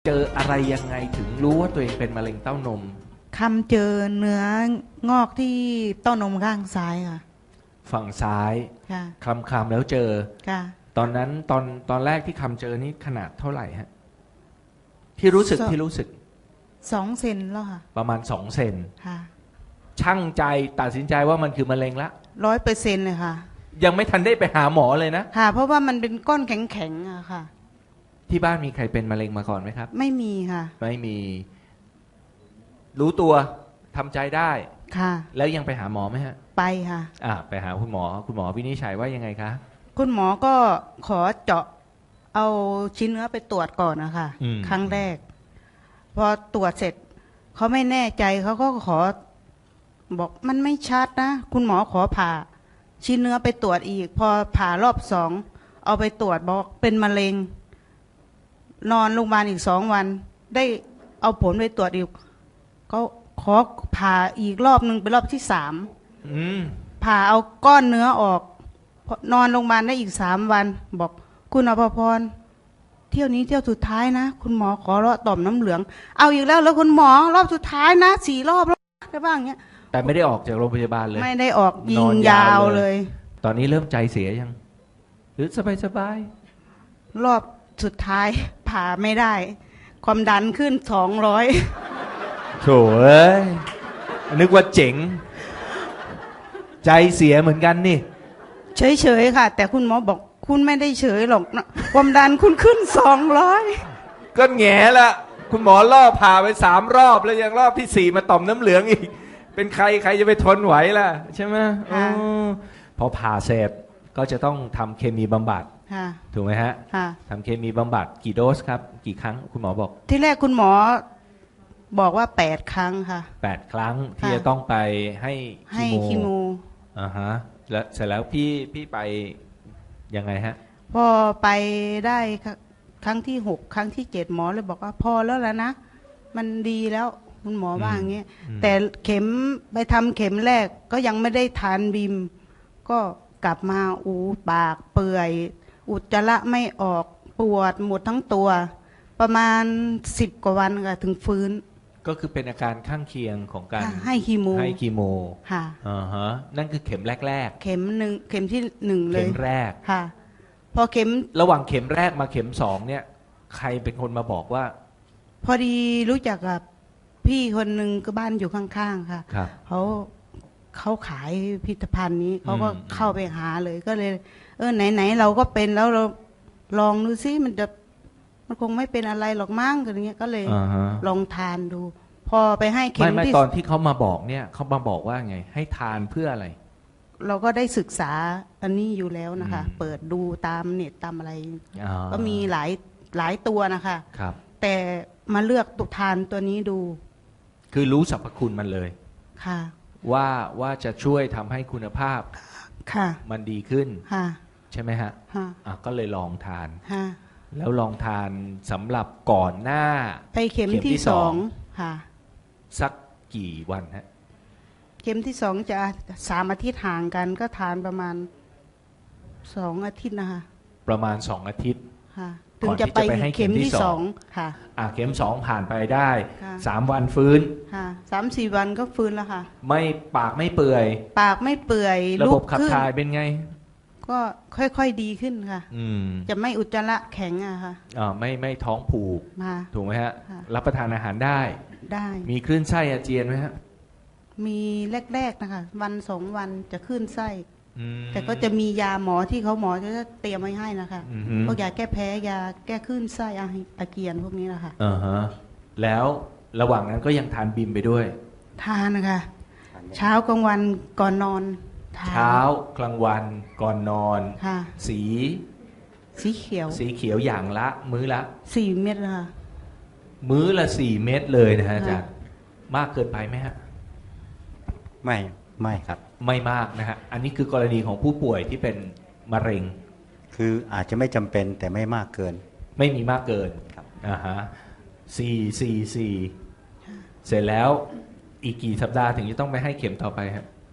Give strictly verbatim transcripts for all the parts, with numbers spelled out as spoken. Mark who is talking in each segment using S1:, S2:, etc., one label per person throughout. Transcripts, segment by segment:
S1: เจออะไรยังไงถึงรู้ว่าตัวเองเป็นมะเร็งเต้านม
S2: คำเจอเนื้องอกที่เต้านมข้างซ้ายค่ะ
S1: ฝั่งซ้าย
S2: ค่ะ
S1: คำคำแล้วเจอ
S2: ค่ะ
S1: ตอนนั้นตอนตอนแรกที่คำเจอนี่ขนาดเท่าไหร่ฮะที่รู้สึกที่รู้สึก
S2: สองเซนแล้วค่ะ
S1: ประมาณสองเซน
S2: ค่ะ
S1: ช่างใจตัดสินใจว่ามันคือมะเร็งละ
S2: ร้อยเปอร์เซ็นต์เลยค่ะ
S1: ยังไม่ทันได้ไปหาหมอเลยนะ
S2: ค่ะเพราะว่ามันเป็นก้อนแข็งๆอะค่ะ
S1: ที่บ้านมีใครเป็นมะเร็งมาก่อนไหมครับ
S2: ไม่มีค่ะ
S1: ไม่มีรู้ตัวทำใจได้
S2: ค่ะ
S1: แล้วยังไปหาหมอไหมฮะ
S2: ไปค่ะ
S1: อ่าไปหาคุณหมอคุณหมอวินิจฉัยว่ายังไงคะ
S2: คุณหมอก็ขอเจาะเอาชิ้นเนื้อไปตรวจก่อนนะคะครั้งแรกพอตรวจเสร็จเขาไม่แน่ใจเขาก็ขอบอกมันไม่ชัดนะคุณหมอขอผ่าชิ้นเนื้อไปตรวจอีกพอผ่ารอบสองเอาไปตรวจบอกเป็นมะเร็งนอนโรงพยาบาลอีกสองวันได้เอาผลไปตรวจอีกก็ขอผ่าอีกรอบหนึ่งเป็นรอบที่สามผ่าเอาก้อนเนื้อออกนอนโรงพยาบาลได้อีกสามวันบอกคุณอภพรเที่ยวนี้เที่ยวสุดท้ายนะคุณหมอขอเลาะต่อมน้ำเหลืองเอาอีกแล้วแล้วคุณหมอรอบสุดท้ายนะสี่รอบแล้วได้บ้างเงี้ย
S1: แต่ไม่ได้ออกจากโรงพยาบาลเลย
S2: ไม่ได้ออกยิงยาวเลย
S1: ตอนนี้เริ่มใจเสียยังหรือสบายสบาย
S2: รอบสุดท้ายผ่าไม่ได้ความดันขึ้นสองร้อย
S1: โถ่เอ้ยนึกว่าเจ๋งใจเสียเหมือนกันนี่
S2: เฉยๆค่ะแต่คุณหมอบอกคุณไม่ได้เฉยหรอกนะความดันคุณขึ้นสองร้อย
S1: ก็แง่ละคุณหมอล่อผ่าไปสามรอบแล้วยังรอบที่สี่มาต่อมน้ำเหลืองอีกเป็นใครใครจะไปทนไหวล่ะใช่ไหมพอผ่าเสร็จก็จะต้องทำเคมีบำบัดถูกไหมฮะทำเคมีบำบัดกี่โดสครับกี่ครั้งคุณหมอบอก
S2: ที่แรกคุณหมอบอกว่าแปดครั้งค่ะ
S1: แปดครั้งที่จะต้องไปให้
S2: ให้คีโม
S1: อ่าฮะแล้วเสร็จแล้วพี่พี่ไปยังไงฮะ
S2: พอไปได้ครั้งที่หกครั้งที่เจ็ดหมอเลยบอกว่าพอแล้วแล้วนะมันดีแล้วคุณหมอว่าอย่างเงี้ยแต่เข็มไปทำเข็มแรกก็ยังไม่ได้ทานบิมก็กลับมาอูปากเปื่อยอุจจาระไม่ออกปวดหมดทั้งตัวประมาณสิบกว่าวันค่ะถึงฟื้น
S1: ก็คือเป็นอาการข้างเคียงของการ
S2: ให้คีโม
S1: ให้คีโม
S2: ค่ะ
S1: อ่าฮะนั่นคือเข็มแรก
S2: ๆเข็มหนึ่งเข็มที่หนึ่งเลย
S1: เข็มแรก
S2: ค่ะพอเข็ม
S1: ระหว่างเข็มแรกมาเข็มสองเนี่ยใครเป็นคนมาบอกว่า
S2: พอดีรู้จักกับพี่คนหนึ่งก็บ้านอยู่ข้างๆค่ะเขาเขาขายพิพิธภัณฑ์นี้เขาก็เข้าไปหาเลยก็เลยเออไหนๆเราก็เป็นแล้วเราลองดูซิมันจะมันคงไม่เป็นอะไรหรอกมั้งอะไรเงี้ยก็เลยลองทานดูพอไปให้เข็ม
S1: ที่ไม่ไม่ตอนที่เขามาบอกเนี่ยเขามาบอกว่าไงให้ทานเพื่ออะไร
S2: เราก็ได้ศึกษาอันนี้อยู่แล้วนะคะเปิดดูตามเน็ตตามอะไรก็มีหลายหลายตัวนะคะ
S1: ครับ
S2: แต่มาเลือกตุทานตัวนี้ดู
S1: คือรู้สรรพคุณมันเลย
S2: ค่ะ
S1: ว่าว่าจะช่วยทำให้คุณภาพ
S2: ค่ะ
S1: มันดีขึ้น
S2: ค่ะ
S1: ใช่ไหมฮะอ่ะก็เลยลองทาน
S2: ค่ะ
S1: แล้วลองทานสำหรับก่อนหน้า
S2: ไปเข็มที่สองค่ะ
S1: สักกี่วันฮะ
S2: เข็มที่สองจะสามอาทิตย์ห่างกันก็ทานประมาณสองอาทิตย์นะคะ
S1: ประมาณสองอาทิตย์
S2: ค่ะถึงจะไปเข็มที่สองค่ะ
S1: อ่ะเข็มสองผ่านไปได้สามวันฟื้น
S2: ค่ะสามสี่วันก็ฟื้นแล้วค่ะ
S1: ไม่ปากไม่เปื่อย
S2: ปากไม่เปื่อย
S1: ระบบขับถ่ายเป็นไง
S2: ก็ค่อยๆดีขึ้นค่ะจะไม่อุจจาระแข็งอะค่ะ
S1: อ่าไม่ไม่ท้องผูกถูกไหมฮะรับประทานอาหารได้
S2: ได้
S1: มีคลื่นไส้อาเจียนไหมฮะ
S2: มีแรกๆนะคะวันสองวันจะขึ้นไส้แต่ก็จะมียาหมอที่เขาหมอจะเตรียมไว้ให้นะคะพวกยาแก้แพ้ยาแก้คลื่นไส้อาเจียนพวกนี้นะคะ
S1: อ่าฮะแล้วระหว่างนั้นก็ยังทานบิมไปด้วย
S2: ทานนะคะเช้ากลางวันก่อนนอน
S1: เช้ากลางวันก่อนนอนสี
S2: สีเขียว
S1: สีเขียวอย่างละมื้อละ
S2: สี่เม็ดค่ะ
S1: มื้อละสี่เม็ดเลยนะฮะอาจารย์มากเกินไปไหมฮะ
S3: ไม่ไม่ครับ
S1: ไม่มากนะฮะอันนี้คือกรณีของผู้ป่วยที่เป็นมะเร็ง
S3: คืออาจจะไม่จำเป็นแต่ไม่มากเกิน
S1: ไม่มีมากเกิน
S3: ครับ
S1: อ่าฮะสี่สี่สี่เสร็จแล้วอีกกี่สัปดาห์ถึงจะต้องไปให้เข็มต่อไปครับ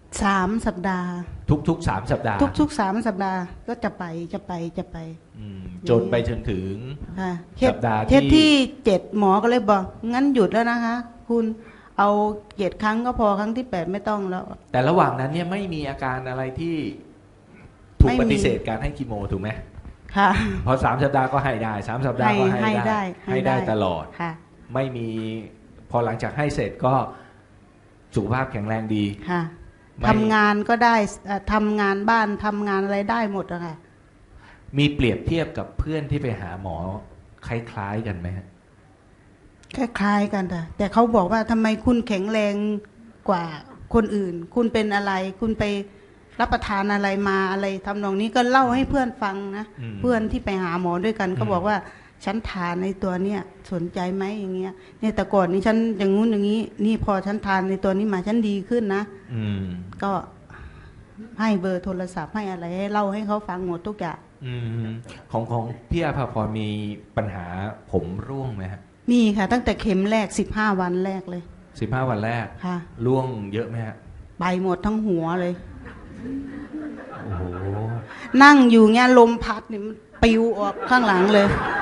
S2: สามสัปดาห์
S1: ทุกๆสามสัปดาห์
S2: ทุกๆสามสัปดาห์ก็จะไปจะไปจะไป
S1: อืมจนไปจนถึง
S2: ค่ะ
S1: สัปดาห์ที่
S2: เทปที่เจ็ดหมอก็เลยบอกงั้นหยุดแล้วนะคะ คุณเอาเจ็ดครั้งก็พอครั้งที่แปดไม่ต้องแล้ว
S1: แต่ระหว่างนั้นเนี่ยไม่มีอาการอะไรที่ถูก
S2: ไม่มี
S1: ปฏิเสธการให้คีโมถูกไหม
S2: ค่ะ
S1: พอสามสัปดาห์ก็ให้ได้สามสัปดาห์ก็
S2: ให้
S1: ให้
S2: ให้ได้
S1: ได้ให้ได้ตลอด
S2: ค่ะ
S1: ไม่มีพอหลังจากให้เสร็จก็สุขภาพแข็งแรงดี
S2: ค่ะ
S1: ไม่
S2: ทำงานก็ได้เอ่อทำงานบ้านทำงานอะไรได้หมดอะค่ะ
S1: มีเปรียบเทียบกับเพื่อนที่ไปหาหมอคล้ายๆกันไหมฮะ
S2: คล้ายๆกันแต่แต่เขาบอกว่าทำไมคุณแข็งแรงกว่าคนอื่น คุณเป็นอะไร คุณไปรับประทานอะไรมาอะไรทำนองนี้ก็เล่าให้เพื่อนฟังนะ
S1: อืม
S2: เพื่อนที่ไปหาหมอด้วยกัน
S1: อืม
S2: ก็บอกว่าฉันทานในตัวเนี้ยสนใจไหมอย่างเงี้ยเนี่ยแต่ก่อนนี้ฉันอย่างงู้นอย่างนี้ นี่พอฉันทานในตัวนี้มาฉันดีขึ้นนะ
S1: อืม
S2: ก็ให้เบอร์โทรศัพท์ให้อะไรให้เล่าให้เขาฟังหมดทุกอย่าง
S1: อืมของของพี่อาภาพรมีปัญหาผมร่วงไหมฮะ
S2: มีค่ะ ตั้งแต่เข็มแรกสิบห้าวันแรกเลย
S1: สิบห้าวันแรก
S2: ค่ะ
S1: ร่วงเยอะไหมฮะ
S2: ไปหมดทั้งหัวเลย
S1: โอ้โห
S2: นั่งอยู่เงี้ยลมพัดนี่มันปลิวออกข้างหลังเลย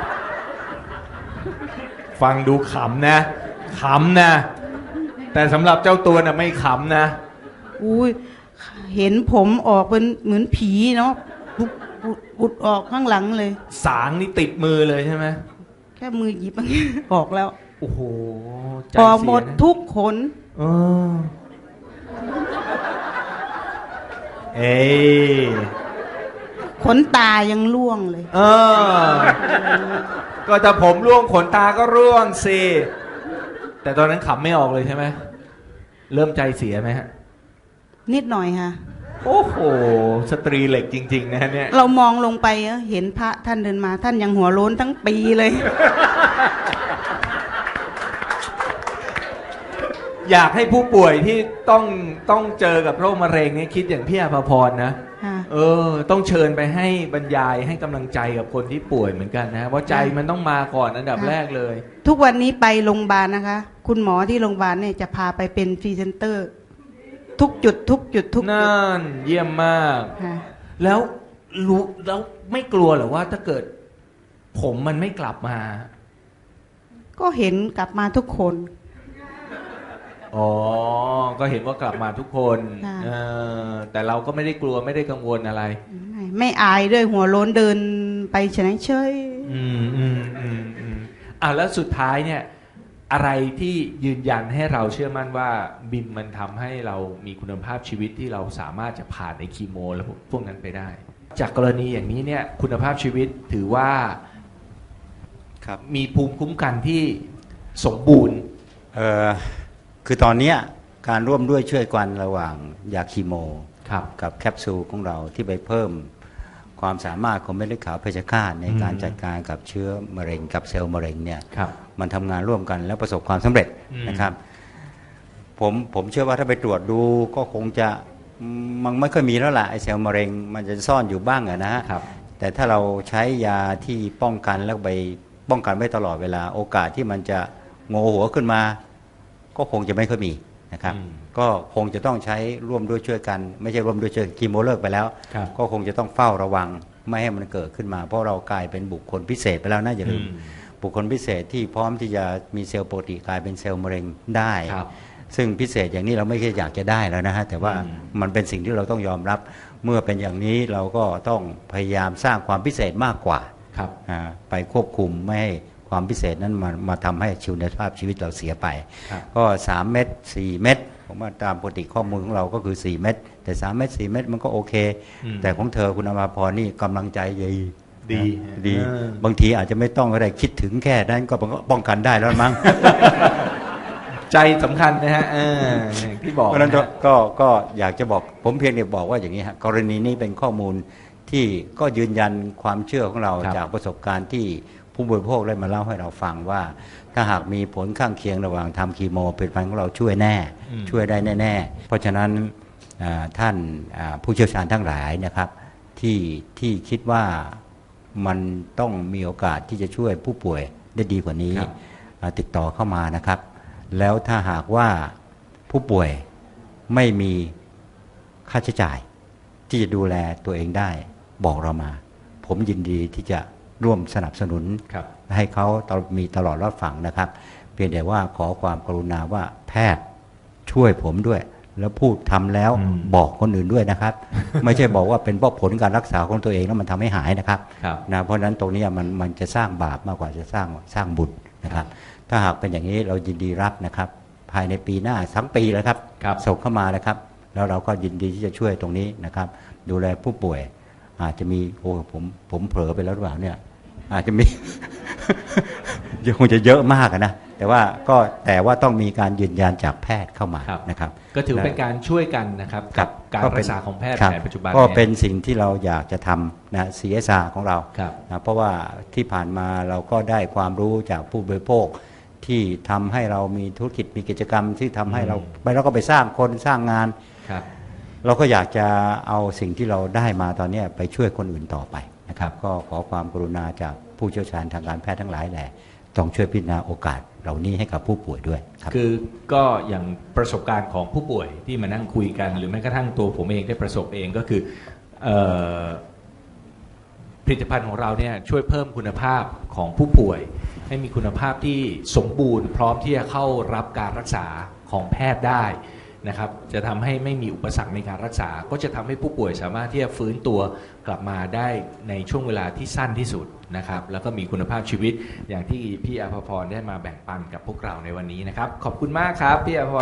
S1: ฟังดูขำนะขำนะ แต่สำหรับเจ้าตัวน่ะไม่ขำนะ
S2: อุ้ยเห็นผมออกเป็นเหมือนผีเนาะปุดปุดปุดออกข้างหลังเลย
S1: สางนี่ติดมือเลยใช่ไหม
S2: แค่มือหยิบ ออกแล้ว
S1: โอ้โหใจ
S2: ออก
S1: เสี
S2: หม
S1: ย
S2: ด
S1: นะ
S2: ทุกขน
S1: เออเอ้ย
S2: ขนตายังร่วงเลย
S1: เออ ก็ถ้าผมร่วงขนตาก็ร่วงสิ แต่ตอนนั้นขำไม่ออกเลยใช่ไหม เริ่มใจเสียไหมฮะ
S2: นิดหน่อยค่ะ
S1: โอ้โห สตรีเหล็กจริง ๆ นะเนี่ย
S2: เรามองลงไปเอ้อเห็นพระท่านเดินมา ท่านยังหัวโล้นทั้งปีเลย
S1: อยากให้ผู้ป่วยที่ต้องต้องเจอกับโรคมะเร็งเนี่ยคิดอย่างพี่อาภาพรนะ
S2: ค่ะ
S1: เออ ต้องเชิญไปให้บรรยายให้กำลังใจกับคนที่ป่วยเหมือนกันนะว่าใจมันต้องมาก่อนอันดับแรกเลย
S2: ทุกวันนี้ไปโรงพยาบาลนะคะ คุณหมอที่โรงพยาบาลเนี่ยจะพาไปเป็นพรีเซนเตอร์ ทุกจุด ทุกจุดทุกจุด
S1: นั่นเยี่ยมมาก
S2: ค่ะ
S1: แล้วรู้แล้วไม่กลัวเหรอว่าถ้าเกิด ผมมันไม่กลับมา
S2: ก็เห็นกลับมาทุกคน
S1: อ๋อ ก็เห็นว่ากลับมาทุกคน
S2: ค่ะ
S1: เออแต่เราก็ไม่ได้กลัวไม่ได้กังวลอะไร
S2: ไม่ไม่อายด้วยหัวโล้นเดินไปเฉยเฉย
S1: อืมอืมอืมอืมอ่ะแล้วสุดท้ายเนี่ย อะไรที่ยืนยันให้เราเชื่อมั่นว่าบิมมันทำให้เรามีคุณภาพชีวิตที่เราสามารถจะผ่านในคีโม แล้วพวกนั้นไปได้ จากกรณีอย่างนี้เนี่ย คุณภาพชีวิตถือว่า
S3: ครับ
S1: มีภูมิคุ้มกันที่สมบูรณ์
S3: เอ่อคือตอนเนี้ยการร่วมด้วยช่วยกันระหว่างยาคีโม
S1: ครับ
S3: กับแคปซูลของเราที่ไปเพิ่มความสามารถของเม็ดเลือดขาวเพชฌฆาตในการ
S1: อืม
S3: จัดการกับเชื้อมะเร็งกับเซลล์มะเร็งเนี่ย
S1: ครับ
S3: มันทำงานร่วมกันแล้วประสบความสำเร็จ
S1: อืม
S3: นะครับ ผมผมเชื่อว่าถ้าไปตรวจดูก็คงจะมันไม่ค่อยมีแล้วล่ะไอเซลล์มะเร็งมันจะซ่อนอยู่บ้างอะนะฮะ
S1: ครับ
S3: แต่ถ้าเราใช้ยาที่ป้องกันแล้วไปป้องกันไว้ตลอดเวลาโอกาสที่มันจะโงหัวขึ้นมา ก็คงจะไม่ค่อยมีนะครับ
S1: อืม
S3: ก็คงจะต้องใช้ร่วมด้วยช่วยกัน ไม่ใช่ร่วมด้วยช่วยคีโมเลิกไปแล้ว
S1: ครับ
S3: ก็คงจะต้องเฝ้าระวังไม่ให้มันเกิดขึ้นมา เพราะเรากลายเป็นบุคคลพิเศษไปแล้วนะอย่าลืม
S1: อืม
S3: บุคคลพิเศษที่พร้อมที่จะมีเซลล์ปกติกลายเป็นเซลล์มะเร็งได้
S1: ครับ
S3: ซึ่งพิเศษอย่างนี้เราไม่ใช่อยากจะได้แล้วนะฮะแต่ว่า
S1: อืม
S3: มันเป็นสิ่งที่เราต้องยอมรับ เมื่อเป็นอย่างนี้เราก็ต้องพยายามสร้างความพิเศษมากกว่า
S1: ครับ
S3: อ่าไปควบคุมไม่ให้ความพิเศษนั้นมามาทำให้ชีวิตภาพชีวิตเราเสียไป
S1: ครับ
S3: ก็สามเม็ดสี่เม็ดผมว่าตามปกติข้อมูลของเราก็คือสี่เม็ดแต่สามเม็ดสี่เม็ดมันก็โอเค
S1: อืม
S3: แต่ของเธอคุณอมาพรนี่กำลังใจดี
S1: ดี
S3: นะดี
S1: เออ
S3: บางทีอาจจะไม่ต้องก็ได้คิดถึงแค่นั้นก็ป้องกันได้แล้วมั้ง
S1: ใจสำคัญนะฮะเอออย่างที่บอก
S3: เพราะฉะนั้น
S1: นะฮะ
S3: ก็ก็อยากจะบอกผมเพียงแต่บอกว่าอย่างนี้ฮะกรณีนี้เป็นข้อมูลที่ก็ยืนยันความเชื่อของเรา
S1: ครับ
S3: จากประสบการณ์ที่ผู้บริโภคได้มาเล่าให้เราฟังว่า ถ้าหากมีผลข้างเคียงระหว่างทำคีโมผลิตภัณฑ์ของเราช่วยแน่
S1: อืม
S3: ช่วยได้แน่ๆเพราะฉะนั้นอ่าท่านอ่าผู้เชี่ยวชาญทั้งหลายนะครับที่ที่คิดว่ามันต้องมีโอกาสที่จะช่วยผู้ป่วยได้ดีกว่านี้
S1: ครับ
S3: อ่าติดต่อเข้ามานะครับ แล้วถ้าหากว่าผู้ป่วยไม่มีค่าใช้จ่ายที่จะดูแลตัวเองได้บอกเรามา ผมยินดีที่จะร่วมสนับสนุน
S1: ครับ
S3: ให้เขาตลอดมีตลอดรอดฝั่งนะครับ เพียงแต่ว่าขอความกรุณาว่าแพทย์ช่วยผมด้วย แล้วพูดทำแล้ว
S1: อืม
S3: บอกคนอื่นด้วยนะครับ ไม่ใช่บอกว่าเป็นเพราะผลการรักษาของตัวเองแล้วมันทำให้หายนะครับ
S1: ครับ
S3: นะเพราะฉะนั้นตรงนี้มันมันจะสร้างบาปมากกว่าจะสร้างสร้างบุญนะครับ ถ้าหากเป็นอย่างนี้เรายินดีรับนะครับ ภายในปีหน้าทั้งปีเลยครับ
S1: ครับ
S3: ส่งเข้ามานะครับ แล้วเราก็ยินดีที่จะช่วยตรงนี้นะครับ ดูแลผู้ป่วย อาจจะมีโอ้ผมผมเผลอไปแล้วหรือเปล่าเนี่ย อาจจะมี คงจะเยอะมากอะนะแต่ว่าก็แต่ว่าต้องมีการยืนยันจากแพทย์เข้ามา
S1: ครับ
S3: นะครับ
S1: ก็ถือเป็นการช่วยกันนะครับกับการ
S3: ก็เป็
S1: รั
S3: น
S1: กษาของแพทย์
S3: คบ
S1: แผนปัจจุบัน
S3: ก็
S1: ย
S3: เป็นสิ่งที่เราอยากจะทำนะ ซี เอส อาร์ ของเรา
S1: ครับ
S3: นะเพราะว่าที่ผ่านมาเราก็ได้ความรู้จากผู้บริโภค ที่ทำให้เรามีธุรกิจมีกิจกรรมที่ทำให้เรา
S1: อืม
S3: ไปแล้วก็ไปสร้างคนสร้างงาน
S1: ครับ
S3: เราก็อยากจะเอาสิ่งที่เราได้มาตอนนี้ไปช่วยคนอื่นต่อไปนะครับ ก็ขอความกรุณาจากผู้เชี่ยวชาญทางการแพทย์ทั้งหลายแหละต้องช่วยพิจารณาโอกาสเหล่านี้ให้กับผู้ป่วยด้วยครับ
S1: คือก็อย่างประสบการณ์ของผู้ป่วยที่มานั่งคุยกัน หรือแม้กระทั่งตัวผมเองได้ประสบเองก็คือเอ่อผลิตภัณฑ์ของเราเนี่ยช่วยเพิ่มคุณภาพของผู้ป่วย ให้มีคุณภาพที่สมบูรณ์พร้อมที่จะเข้ารับการรักษาของแพทย์ได้นะครับ จะทำให้ไม่มีอุปสรรคในการรักษา ก็จะทำให้ผู้ป่วยสามารถที่จะฟื้นตัวกลับมาได้ในช่วงเวลาที่สั้นที่สุดนะครับ แล้วก็มีคุณภาพชีวิตอย่างที่พี่อภพรได้มาแบ่งปันกับพวกเราในวันนี้นะครับ ขอบคุณมากครับพี่อภพร